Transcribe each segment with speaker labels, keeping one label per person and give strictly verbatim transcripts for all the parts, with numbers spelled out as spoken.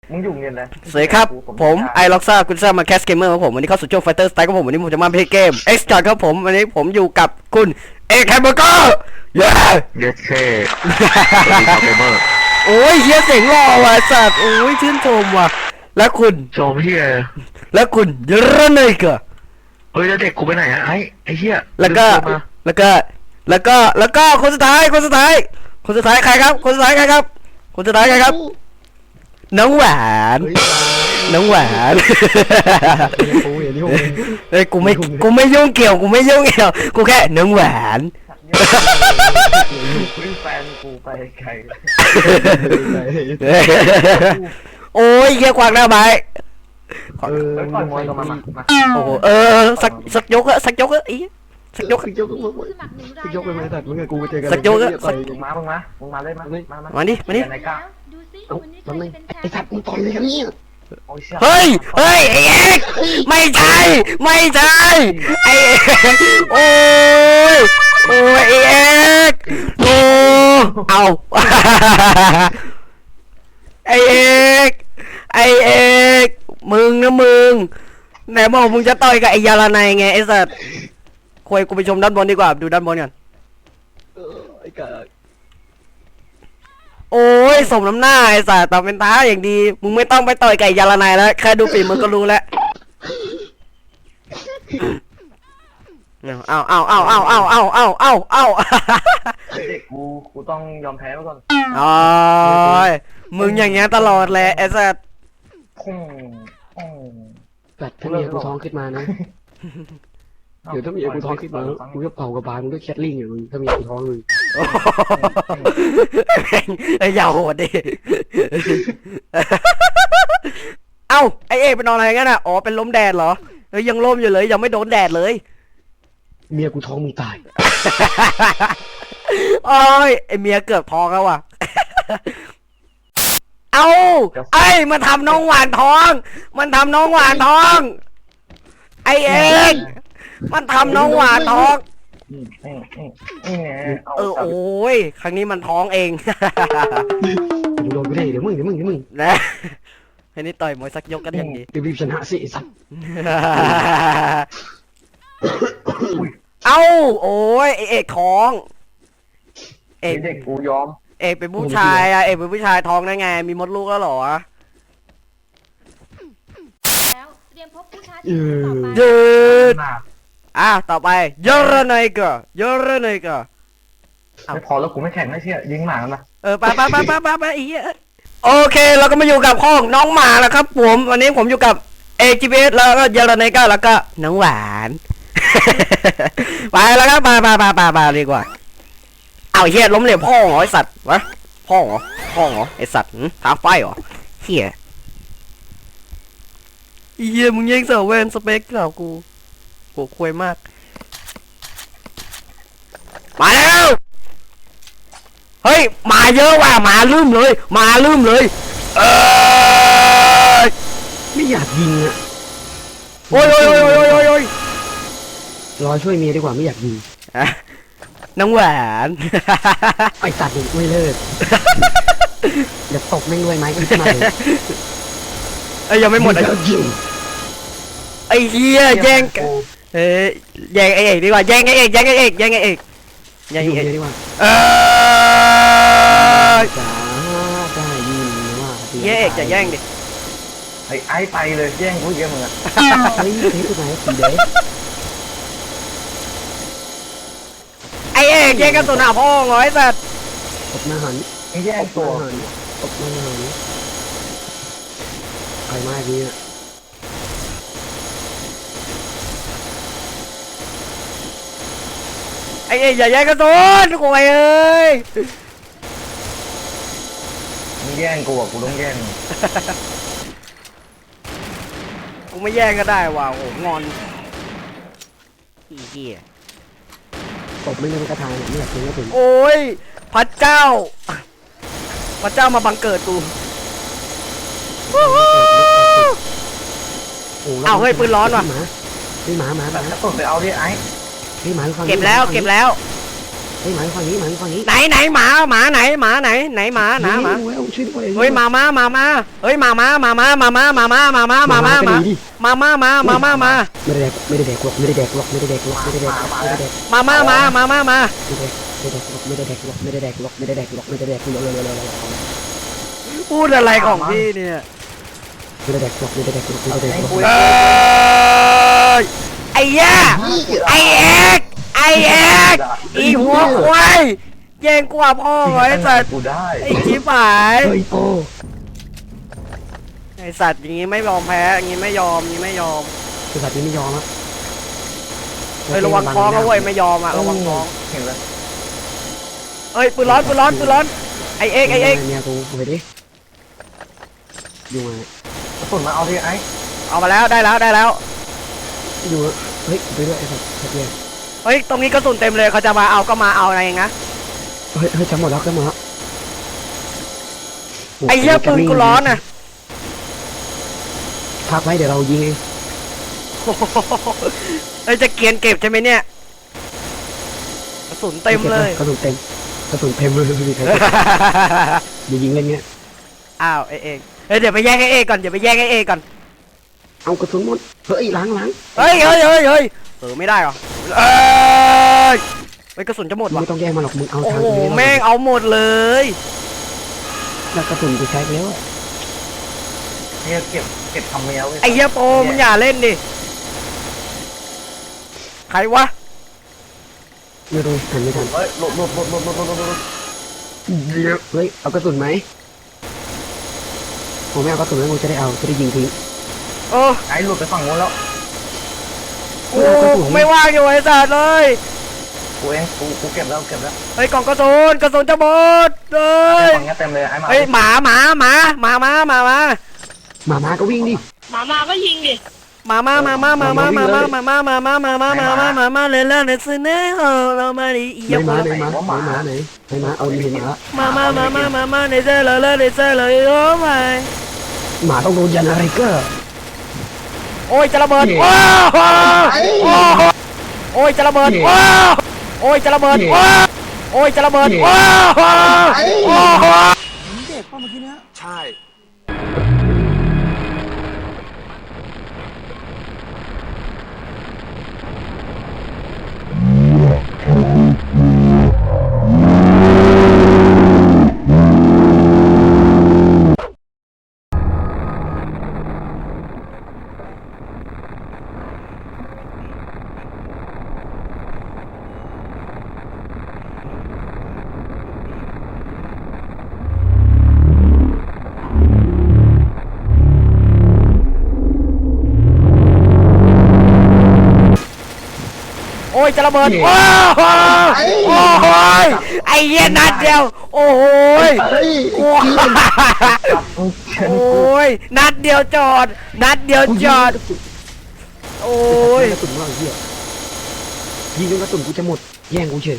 Speaker 1: มึงอยู่เงินเลย
Speaker 2: สวัสดีครับผมไอล็อกซ่าคุณซ่ามาแคสเกมเมอร์ครับผมวันนี้เข้าสู่ช่วงไฟเตอร์สไตล์ครับผมวันนี้ผมจะมาเพลย์เกมเอ็กซ์จอร์ครับผมวันนี้ผมอยู่กับคุณเอกแฮมเบอร์เกอร์เย้
Speaker 3: เยสเคสวัสดีครับเกมเมอร์
Speaker 2: โอ้ยเฮียเสียงหล่อว่ะสัตว์โอ้ยชื่นชมว่ะแล้วคุณ
Speaker 3: ชมเฮีย
Speaker 2: แล้วคุณเยอะเลยเกอ
Speaker 3: เฮ้ยแล้วเด็กกูไปไหนอะไอ้ไอ้เฮีย
Speaker 2: แล้วก็แล้วก็แล้วก็แล้วก็คนสุดท้ายคนสุดท้ายคนสุดท้ายใครครับคนสุดท้ายใครครับคนสุดท้ายใครครับน้องหวานน้องหวานเฮ้ยกูไม่กูไม่ยุ่งเกี่ยวกูไม่ยุ่งเกี่ยวกูแค่น้องหวาน
Speaker 1: แฟนกูไปไกล
Speaker 2: โอ้ยเยี่ยกวางหน้าไม้
Speaker 1: เออมึงมวยกันมา
Speaker 2: โอ้โหเออสักสักยกอะสักยกอะอีสักยก
Speaker 4: สักยกสักยกไปไหมตัดมึงกับกูไปเจอกัน
Speaker 2: สักยกอะสัก
Speaker 1: มึงมามึงมามึงมาเลยมามา
Speaker 2: มาดิมาดิ
Speaker 4: ไอ้สัตว์มึงต่อยเลยกันเนี่ย
Speaker 2: เฮ้ยเฮ้ยไอ้เอกไม่ใช่ไม่ใช่ไอ้เอกโอ้ยโอ้ยไอ้เอกโอ้เอาไอ้เอกไอ้เอกมึงนะมึงไหนบอกมึงจะต่อยกับไอ้ยาลาไนไงไอ้สัตว์คุยกูไปชมด้านบนดีกว่าดูด้านบนก่อน
Speaker 4: ไอ้กา
Speaker 2: โอ้ยสมน้ำหน้าไอ้สัตว์ตอบเป็นท้าอย่างดีมึงไม่ต้องไปต่อยไก่ยาละนายแล้วแค่ดูปีมึงก็รู้แล้วเอาเอาเอาเอาเอาเอาเอาเอาเอา
Speaker 1: เด็กกูกูต้องยอมแพ้มาก่อน
Speaker 2: อ๋อมึงอย่างเงี้ยตลอดแหละไอ้สัตว์
Speaker 4: ตัดถ้ามีกูท้องขึ้นมานะเดี๋ยวถ้ามีกูท้องขึ้นมากูจะเป่ากระบาลมึงด้วยแคทลิงอย่างมึงถ้ามีกูท้องมึง
Speaker 2: ไอ้ยาวโหดดิเอ้าไอเอเป็นนอนอะไรงั้นอ่ะอ๋อเป็นล้มแดดเหรอเฮ้ยยังล้มอยู่เลยยังไม่โดนแดดเลย
Speaker 4: เมียกูท้องมึงตาย
Speaker 2: โอ้ยไอเมียเกือบท้องแล้วว่ะเอ้าไอ้มันทำน้องหวานท้องมันทำน้องหวานท้องไอเองมันทำน้องหวานท้องเออโอ้ยครั้งนี้มันท้องเอง
Speaker 4: มึงโดนกูได้เดี๋ยวมึงเดี๋ยวมึงเดี๋ยวมึง
Speaker 2: นะให้นี่ต่อยมวยสักยกกันอย่างนี้
Speaker 4: รีบชนะสิสัตว์
Speaker 2: เอ้าโอ้ยเอกท้อง
Speaker 1: เอกเด็กกูยอม
Speaker 2: เอกเป็นผู้ชายอะเอกเป็นผู้ชายท้องได้ไงมีมดลูกแล้วหรอยืดอ่ะต่อไปเยอร์นายก็เยอร์นายก็
Speaker 1: ไม่พอแล้วกูไม่แข่งไม่เชื่อยิงหมากันนะ
Speaker 2: เออไปไปไปไปไปไปอีโอเคเราก็มาอยู่กับห้องน้องหมาแล้วครับผมวันนี้ผมอยู่กับเอจีพีเอสแล้วก็เยอร์นายก็แล้วก็น้องหวานไปแล้วครับมามามามามาดีกว่าเอาเฮียล้มเหลวพ่อเหรอไอสัตว์วะพ่อเหรอพ่อเหรอไอสัตว์ท้าไฟเหรอเฮียเฮียมึงแย่งเสาเวนสเปกเหล่ากูกูคุยมากมาแล้วเฮ้ยมาเยอะว่ะมาลืมเลยมาลืมเลยเออ
Speaker 4: ไม่อยากยิงอ่ะ
Speaker 2: โอ้ยโอ้ยโอ้ยโอ้ยโอ้ยโอ้ย
Speaker 4: รอช่วยเมียดีกว่าไม่อยากยิง
Speaker 2: น้องหวาน
Speaker 4: ไอสัตว์ไม่เลิกเดี๋ยวตกไม่รวยไหมขึ้นมา
Speaker 2: ไอ้ยังไม่หมดไอ้ไอ้เฮียแย่งเอ้ยแย่งไอ้เอกดีกว่าแย่งไอ้เอกแย่งไอ้เอกแย่งไอ้เอกแย่งไอ้เอก
Speaker 4: ดีกว่า
Speaker 2: เออ
Speaker 4: จ้าได้ยินว่า
Speaker 2: แย่งเอกจะแย่งดิ
Speaker 1: ไอ้ไอ้ไปเลยแย่งกูเยอะมึงอะ
Speaker 4: เฮ้ยเฮ้ยตัวไหนสีแดง
Speaker 2: ไอ้เอกแย่งกันตัวหน้าพ่อเหรอไอ้สัตว์
Speaker 4: ตบหน้าหัน
Speaker 1: แย่งตัว
Speaker 4: ตบหน้าหันใครมาดีอ่ะ
Speaker 2: ไอ้เอกอย่าแย่งกันตัวโวยเอ้ย
Speaker 1: มึงแย่งกูอ่ะกูต้องแย่ง
Speaker 2: กูไม่แย่งก็ได้ว่ะโอ้งอนอีเหี้ย
Speaker 4: ตบไม่เล่นกระทายไม่อยากเล่นก็ถึง
Speaker 2: โอ้ยพระเจ้าพระเจ้ามาบังเกิดกูเอาเฮ้ยปืนร้อนว่ะ
Speaker 4: นี่หมาหมาหมา
Speaker 1: แล้วผมไปเอาดิไอ้
Speaker 4: นี่หมา
Speaker 2: เก็บแล้วเก็บแล้ว
Speaker 4: เฮ้ยหมาฝั่งนี้หมาฝั่งนี้
Speaker 2: ไหนไหนหมาหมาไหนหมาไหนไหนหมาหนาหมา
Speaker 4: ช่วยด้วย
Speaker 2: เฮ้ยมามามามาเฮ้ยมามามามามามามามามามามามามามามามามามา
Speaker 4: ไม่ได้แดกไม่ได้แดกหรอกไม่ได้แดกหรอกไม่ได้แดกหรอกไม่ได้แดกไม่ได้แดก
Speaker 2: มามามามามามา
Speaker 4: ไม่ได้แดกหรอกไม่ได้แดกหรอกไม่ได้แดกหรอกไม่ได้แดกหรอกไม่ได้แดกเลยเลยเลย
Speaker 2: พูดอะไรของพี่เนี่ย
Speaker 4: ไม่ได้แดกหรอกไม่ได้แดกหรอกไม่ได้แดกหรอก
Speaker 2: เอ้ยไอ้ย่าไอ้เอกไอ้เอกอีหัวควายแย่งกว่าพ่อไอ้สัตว์
Speaker 1: กูได้
Speaker 2: ไอ้ชิบหาย
Speaker 4: เฮ้ยโอ้
Speaker 2: ไอ้สัตว์อย่างงี้ไม่ยอมแพ้อย่างงี้ไม่ยอมอย่างงี้ไม่ยอม
Speaker 4: บริษัทนี้ไม่ยอมอ่ะ
Speaker 2: เฮ้ยระวังท้องนะเว้ยไม่ยอมอ่ะระวังท้อง
Speaker 1: เห็นแล้ว
Speaker 2: เอ้ยปืนร้อนปืนร้อนปืนร้อนไอ้เอกไอ้เอก
Speaker 4: เนี่ยกูไปดิอยู่ไง
Speaker 1: กระสุนมาเอาที่ไอ้
Speaker 2: เอามาแล้วได้แล้วได้แล้ว
Speaker 4: อยู่เฮ้ยไปด้วยไอ้สัตว์เฮ้ย
Speaker 2: เฮ้ยตรงนี้กระสุนเต็มเลยเขาจะมาเอาก็มาเอาอะไรอย่างเงี้ย
Speaker 4: เฮ้ยเฮ้ยจำหมดแล้วจำหมดแล้ว
Speaker 2: ไอ้เหี้ยปืนกูร้อนอ่ะ
Speaker 4: พักไว้เดี๋ยวเรายิงเอง
Speaker 2: เฮ้ยจะเกียนเก็บใช่ไหมเนี่ยกระสุนเต็มเลย
Speaker 4: กระสุนเต็มกระสุนเต็มเลยพี่ใครอย่ายิงเล่นเงี้ย
Speaker 2: อ้าวไอ้เอกเฮ้ยเดี๋ยวไปแย่งไอ้เอกก่อนเดี๋ยวไปแย่งไอ้เอกก่อน
Speaker 4: เอากระสุนหมดเฮ้ยล้างล้าง
Speaker 2: เฮ้ยเฮ้ยเฮ้ยเฮ้ยเออไม่ได้หรอเอ้ยเฮ้ยกระสุนจะหมดว่ะ
Speaker 4: ไม่ต้องแย่งมาหรอกมึงเอา
Speaker 2: โอ้
Speaker 4: ทาง
Speaker 2: โห
Speaker 4: นี้
Speaker 2: แม่งเอาหมดเลย
Speaker 4: แล้วกระสุนกูใช้แล้ว
Speaker 1: เนี่ยเก็บเก็บทำเมียเว้ย
Speaker 2: ไอ้เหี้ยโปมึงอย่าเล่นดิใครวะ
Speaker 4: ไม่รู้หันไม่ทัน
Speaker 1: เฮ้ยหลบหลบหลบหลบหลบหลบหลบหลบ
Speaker 4: เฮ้ยเอากระสุนไหมผมไม่เอากระสุนแล้วกูจะได้เอาจะได้ยิงทิ้ง
Speaker 2: โอ้
Speaker 1: ไอ้หลุดไปฝั่งนู้นแล้ว
Speaker 2: โอ้ไม่ว่างอยู่ไอ้สัตว์เลย
Speaker 1: กูเองกูกูเก็บแล้วเก็บแล้ว
Speaker 2: เฮ้ยกล่องกระสุนกระสุนจะหมดเลย
Speaker 1: ฝั่งนี้เต็มเลยไอ้มา
Speaker 2: เฮ้ยหมาหมาหมาหมาหมาหมาหมา
Speaker 4: หมามาก็วิ่งดิ
Speaker 5: หมามาก็ยิงดิ
Speaker 2: หมามามามามามามามามามามามามามามามามามาเลยแล้วเนี่ยซื้อเนี่ยเออเรามาดิอี
Speaker 4: ไหน
Speaker 2: ก
Speaker 4: หมาไหนหมาไหนหมาไหนไหนหมาเอาเห็นหมา
Speaker 2: มามามามามามาในเซ่เลยเลยในเซ่เลยโอ้ไม่
Speaker 4: หมาต้องโดนยันอะไรก็
Speaker 2: โอ้ยจะระเบิดว้าวโอ้ยจะระเบิดว้าวโอ้ยจะระเบิดว้าวโอ้ยจะระเบิดว้าวโอ้โห
Speaker 3: ใช่
Speaker 2: โอ้ยจะระเบิดว้าวโอ้ยไอ้เหี้ยนัดเดียวโอ้ยโอ้ย โอ้ยนัดเดียวจอด นัดเดียวจอด โอ้ย
Speaker 4: กระสุนว่าเหี้ยยิงจนกระสุนกูจะหมดแย่งกูเฉย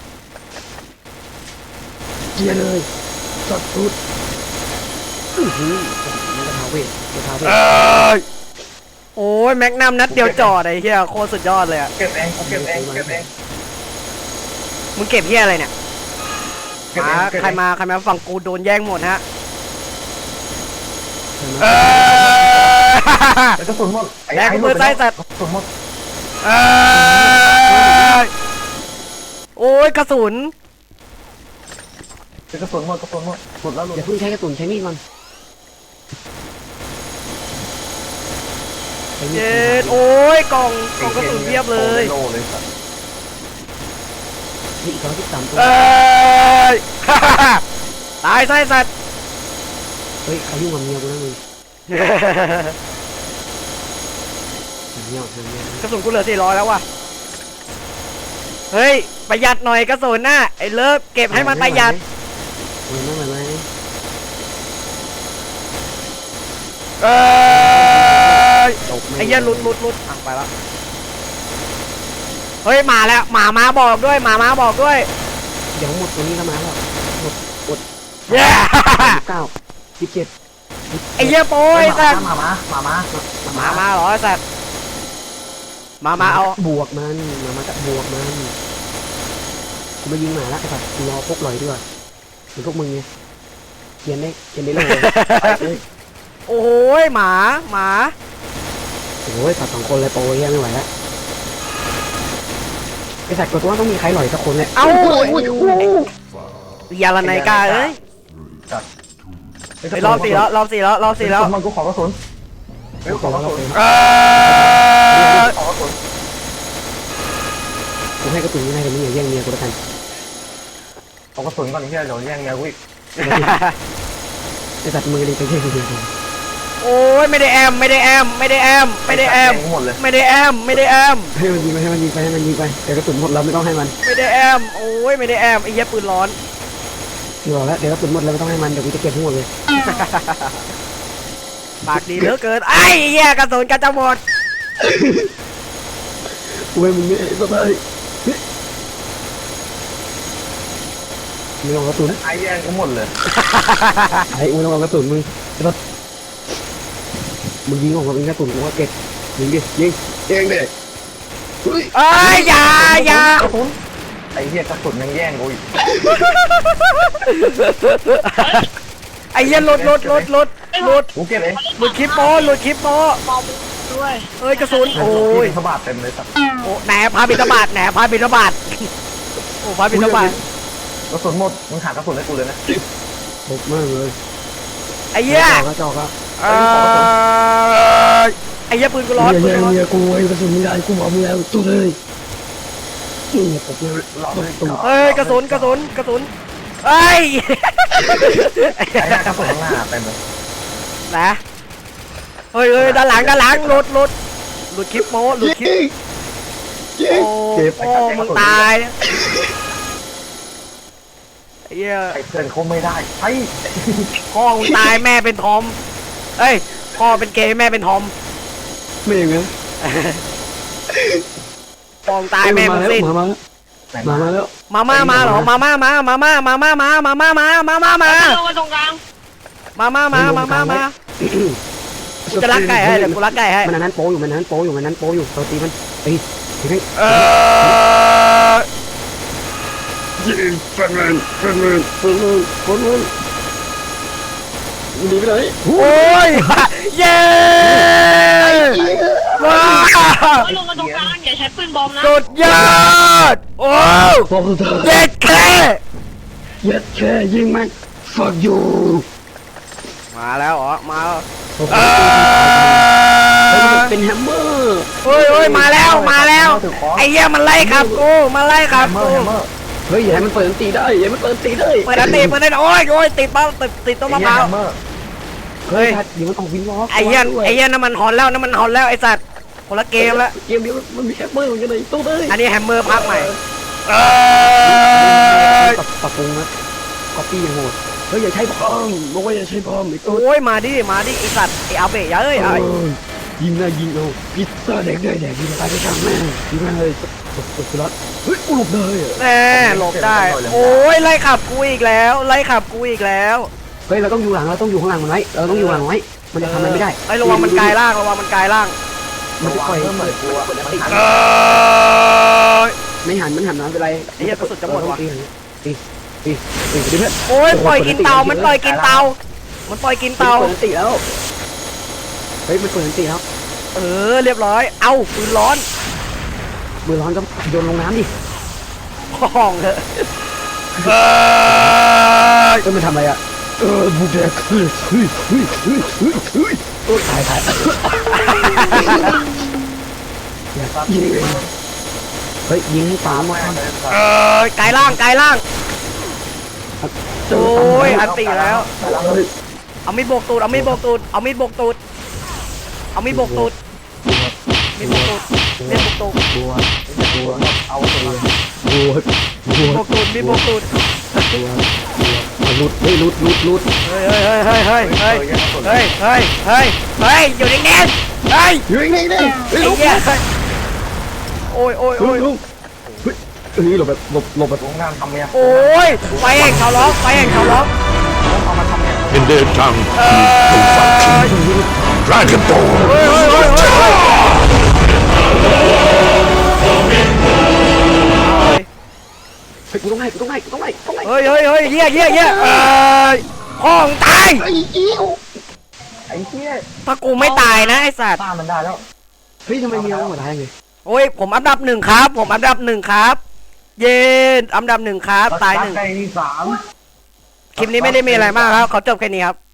Speaker 4: เกียร์เลยจอดสุดอื้อหือมันกระทาเวทกระทาเวท
Speaker 2: เอ้ยโอ้ยแม็กนัมนัดเดียวจอดไอ้เหี้ยโคตรสุดยอดเลยอะ
Speaker 1: เก็บเองกูเก็บเองเก็บเอง
Speaker 2: มึงเก็บเหี้ยอะไรเนี่ย
Speaker 1: เก็บ
Speaker 2: มา
Speaker 1: เองเก็บ
Speaker 2: ใคร
Speaker 1: เอง
Speaker 2: มาใครมาฝั่งกูโดนแย่งหมดฮะ
Speaker 4: ใช่ไหม
Speaker 2: เอ้ย
Speaker 1: กระสุนหมด
Speaker 2: แรงมือซ้ายสัตว์
Speaker 1: กระสุนหมด
Speaker 2: เอ้ยโอ้ยกระสุน
Speaker 1: กระสุนหมดกระสุนหมดหมดแล้วหลุด
Speaker 4: อย่าเพิ่งใช้กระสุนใช้มีดมันใช้มีด
Speaker 2: เจ็ดโอ้ยกล่องกล่องกระสุนเพียบเลย
Speaker 1: โลเลยสัตว์
Speaker 4: นี่อีกร้อยสิบสามตัว
Speaker 2: เอ้ย ตายไส้สัตว์
Speaker 4: เฮ้ยใครยุ่งกับเมียกูนะมึงเมียเมีย
Speaker 2: กระสุนกูเหลือสี่ร้อยแล้วว่ะ เฮ้ย ประหยัดหน่อยกระสุนน่ะ ไอ้เลิฟเก็บให้มันประหยัด
Speaker 4: ไหวไหมไหวไหม
Speaker 2: เอ้ย
Speaker 4: จบหม
Speaker 2: ไอ้เหี้ยหลุดหลุดหลุดอ่ะไปแล้ว เฮ้ยมาแล้วหมามาบอกด้วยหมามาบอกด้วย
Speaker 4: เดี๋ยวหมดตัวนี้ก็มาแล้วหมดหมด
Speaker 2: เย้
Speaker 4: สิบเก้าสิบเจ็ด
Speaker 2: ไอ้เหี้ยโป้ยสัตว์
Speaker 1: มามามามา
Speaker 2: หมามาเหรอไอ้สัตว์มามาเอา
Speaker 4: บวกมันมามาจะบวกมันกูมายิงหมาละไอ้สัตว์รอพกลอยดีกว่าเหมือนพวกมึงไงเขียนได้เขียนได้เลย
Speaker 2: โอ้ยหมาหมา
Speaker 4: โอ้ยสัตว์สองคนเลยโปรยไม่ไหวแล้วไอ้สัตว์กดว่าต้องมีใครหล่อยสักคนเลย
Speaker 2: เอ้าอย่าละนายกาเอ้ยไปรอบสี่แล้วรอบสี่แล้วรอบสี่แล้ว
Speaker 1: มันกูขอกระสุนเฮ้ยขอกระสุน
Speaker 2: เออ
Speaker 1: ขอกระสุน
Speaker 4: กูให้กระตุ้นไม่ได้แต่มึงอย่าแย่งเมียกูแล้วกัน
Speaker 1: ขอกระสุนก่อนที่จะเดี๋ยวแย่งเมียกูอีก
Speaker 4: ไอ้สัตว์มือเลยไปแย่งเมียกู
Speaker 2: โอ้ยไม่ได้แอมไม่ได้แอมไม่ได้แอมไม่ได้แอม
Speaker 1: หมดเลย
Speaker 2: ไม่ได้แอมไม่ได้แอม
Speaker 4: ให้มันยิงไปให้มันยิงไปให้มันยิงไปแต่กระตุ้นหมดเราไม่ต้องให้มัน
Speaker 2: ไม่ได้แอมโอ้ยไม่ได้แอมไอ้เหี้ยปืนร้อน
Speaker 4: พี่บอกแล้วเดี๋ยวกระตุ้นหมดเราไม่ต้องให้มันเดี๋ยวกูจะเก็บทั้งหมดเลย
Speaker 2: ปากดีเหลือเกินไอ้เหี้ยกระสุนกระจะหมด
Speaker 4: กูให้มึงเนี่ยสบายไม่ต้องกระตุ้น
Speaker 1: ไอ้แย่งกูหมดเลย
Speaker 4: ไอ้กูต้องเอากระตุ้นมึงไอ้รถมึงยิงออกมาเป็นกระตุ้นกูก็เก็บยิงดิยิงเองดิเฮ้ย
Speaker 2: เอ้ยอย่าอย่าก
Speaker 1: ระสุนไอ้เหี้ยกระสุนยังแย่งกูอีก
Speaker 2: ไอ้เหี้ยหลุดหลุดหลุดหลุดหลุด
Speaker 1: กูเก็บเอง
Speaker 2: หลุดคลิปโปหลุดคลิปโป
Speaker 5: ด้วย
Speaker 2: เอ้ยกระสุนโอ้ย
Speaker 1: สะบาดเต็มเลยสัตว์
Speaker 2: โอ้แหนพาบินบาตแหนพาบินบาตโอ้พาบินบาต
Speaker 1: กระสุนหมดมึงหากระสุนให้กูเลยนะ
Speaker 4: ตบมากเลย
Speaker 2: ไอ้เหี้ย
Speaker 4: กระจอกอะ
Speaker 2: เออไอ้เหี้ยปืนกูร้อน
Speaker 4: เมี
Speaker 2: ปืน
Speaker 4: ย
Speaker 2: กูร้อน
Speaker 4: เมียกูไอ้กระสุนไม่ได้กูบอกมึงแล้วตู้เลยนี่ตบเลย
Speaker 1: หลอกเลย
Speaker 2: เอ้ยกระสุนกระสุนกระสุนเอ้ย
Speaker 1: ไอ้หน้ากระสุนข้างหน้าเต็มเลย
Speaker 2: นะเฮ้ยเฮ้ยด้านหลังด้านหลังหลุดหลุดหลุดคลิปโม้หลุดคลิปโอ้โอ้มึงตายไอ้เหี้ย
Speaker 1: ไอ้เพื่อนเขาไม่ได้ไอ้
Speaker 2: พ่อมึงตายแม่เป็นทอมเอ้ยพ่อเป็นเกย์แม่เป็นทอม
Speaker 4: ไม่อย่างนั้น
Speaker 2: พ่อมึงตายแม่มึงสิ้น
Speaker 4: มาแล้วมาแล้วมาแล้ว
Speaker 2: มาม่ามาเหรอมาม่ามามาม่ามาม่ามามาม่ามามาม่ามา
Speaker 5: ลงมาตรงกลาง
Speaker 2: มาม่ามามาม่ามากูจะรักไก่ให้เดี๋ยวกูรักไก่ให้
Speaker 4: มันนั้นโปอยู่มันนั้นโปอยู่มันนั้นโปอยู่เราตีมันตีตีให้
Speaker 2: เออ
Speaker 4: ยิงฟันมันฟันมันฟันมันฟันมันหนีไปไหน
Speaker 2: โอ้ยเย้ว้า
Speaker 5: ลงมาตรงกลางอย่าใช้ปืนบอมนะ
Speaker 2: สุดยอดโอ้
Speaker 4: พอเถอะ
Speaker 2: เย็ดแค่
Speaker 4: เย็ดแค่ยิงมัน fuck you
Speaker 2: มาแล้วเหรอมาแล้ว
Speaker 4: เออเป็นแฮมเมอร์
Speaker 2: เฮ้ยเฮ้ยมาแล้วมาแล้วไอ้เหี้ยมันไล่ขับกูมาไล่ขับ
Speaker 1: เมอ
Speaker 2: กู
Speaker 1: ร์แฮมเมอร์
Speaker 4: เฮ้ยอย่าให้มันเปิดตีได้อย่าให้มันเปิดตีได้
Speaker 2: เปิดอันตีเปิดอันตีโอ้ยโอ้ยติดป้าติดติดต้นมะพร้าว
Speaker 1: แฮมเมอร์
Speaker 4: เฮ้ยเดี๋ยวมันออกวินวอล์ก
Speaker 2: ไอ้เหี้ยไอ้เหี้ยน้ำมันหอนแล้วน้ำมันหอนแล้วไอ้สัตว์คนละเกมละ
Speaker 4: เกมนี้มันมีแฮมเมอร์เหมือนกันเลยตู้เลย
Speaker 2: อันนี้แฮมเมอร์พักใหม่เออ
Speaker 4: ปรับปรุงนะก๊อปปี้ยังโหดเฮ้ยอย่าใช้บอมบอกว่าอย่าใช้บอมไอ้ตู้
Speaker 2: โอ้ยมาดิมาดิไอ้สัตว์ไอ้อาเบะอย่าเอ้ยไอ้
Speaker 4: ยิงนะยิงเอาพิซซ่าแดกได้แดกยิงตายไปช่างแม่งยิงเลยตบตบสุรัตเฮ้ยกูหลบได้อะ
Speaker 2: แน่หลบได้โอ้ยไล่ขับกูอีกแล้วไล่ขับกูอีกแล้ว
Speaker 4: เฮ้ยเราต้องอยู่หลังเราต้องอยู่ข้างหลังมันไว้เราต้องอยู่หลังไว้มันจะทำอะไรไม่ได้
Speaker 2: ไอ้ระวังมันกลายร่างระวังมันกลายร่าง
Speaker 4: มันจะปล่อย
Speaker 1: เพิ่มเหมือนกูอะ
Speaker 2: เออ
Speaker 4: ไม่หันมันหันน้ำเป็นไร
Speaker 2: ไอ้เหี้ยกระสุนจะหมดว่ะ
Speaker 4: ตีตีตีตีดิเพื่อน
Speaker 2: โอ้ยปล่อยกินเตามันปล่อยกินเตามันปล่อยกินเตา
Speaker 4: เปิดตีแล้วเฮ้ยมันเปิดตีแล้ว
Speaker 2: เออเรียบร้อยเอ้าปืนร้อน
Speaker 4: มือร้อนก็โยนลงน้ำดิ
Speaker 2: ห้องเถอะเออ
Speaker 4: เอ้ยมันทำอะไรอ่ะเออบุกแดกเฮ้ยเฮ้ยเฮ้ยเฮ้ยเฮ้ยเฮ้ยโอ้ตายตายยิงเลยเฮ้ยยิงให้ตามมา
Speaker 2: เออกลายร่างกลายร่างโอ้ยอันตีแล้ว เอามีดโบกตูดเอามีดโบกตูดเอามีดโบกตูดเอามีดโบกตูดมีดโบกตูดมีดโบกตูด
Speaker 4: บัวบัว
Speaker 1: เอาตัว
Speaker 4: บัวบัว
Speaker 2: โบกตูดมีดโบกตูด
Speaker 4: บัวบัวลุดเฮ้ยลุดลุดลุด
Speaker 2: เฮ้ยเฮ้ยเฮ้ยเฮ้ยเฮ้ยเฮ้ยเฮ้ยเฮ้ยเฮ้ยอยู่นิ่งๆเฮ้ย
Speaker 4: อยู่นี่นี่เฮ้ย
Speaker 2: ไอ้
Speaker 4: ลุก
Speaker 2: เหี้ยโอ้ยโอ้ย
Speaker 4: ลุ
Speaker 2: โอ้
Speaker 4: ก
Speaker 2: ย
Speaker 4: ลุกเฮ้ยเฮ้ยหลบแบบหลบหลบแบบ
Speaker 1: ลงงานทำเนี่ย
Speaker 2: โอ้ยไฟแห่งชาวล็อกไฟแห่งชาวล็อก
Speaker 1: เอามาทำเนี่ย
Speaker 6: In their tongue,
Speaker 2: เออ
Speaker 6: Dragon Ball.
Speaker 2: เฮ้ยเฮ้ยเฮ้ยเฮ้ยเฮ้ย
Speaker 4: เฮ้ยกูต้องให้กูต้องให้กูต้องให้กูต้องให้
Speaker 2: เฮ้ยเฮ้ยเฮ้ยเฮียเฮียเฮียเอ้ยห้องตาย
Speaker 4: ไอ้เอี้ยว
Speaker 1: ไอ้เหี้ย
Speaker 2: ถ้ากูไม่ตายนะไอ้สัตว์
Speaker 1: ตามมันได้แล้ว
Speaker 4: เฮ้ยทำไมมีเราหัวท้ายไง
Speaker 2: โอ้ยผมอันดับหนึ่งครับ ผมอันดับหนึ่งครับ เย็นอันดับหนึ่งครับตายหนึ่ง
Speaker 1: ใกล้ที่สาม
Speaker 2: คลิปนี้ไม่ได้มีอะไรมากครับเขาจบแค่นี้ครับ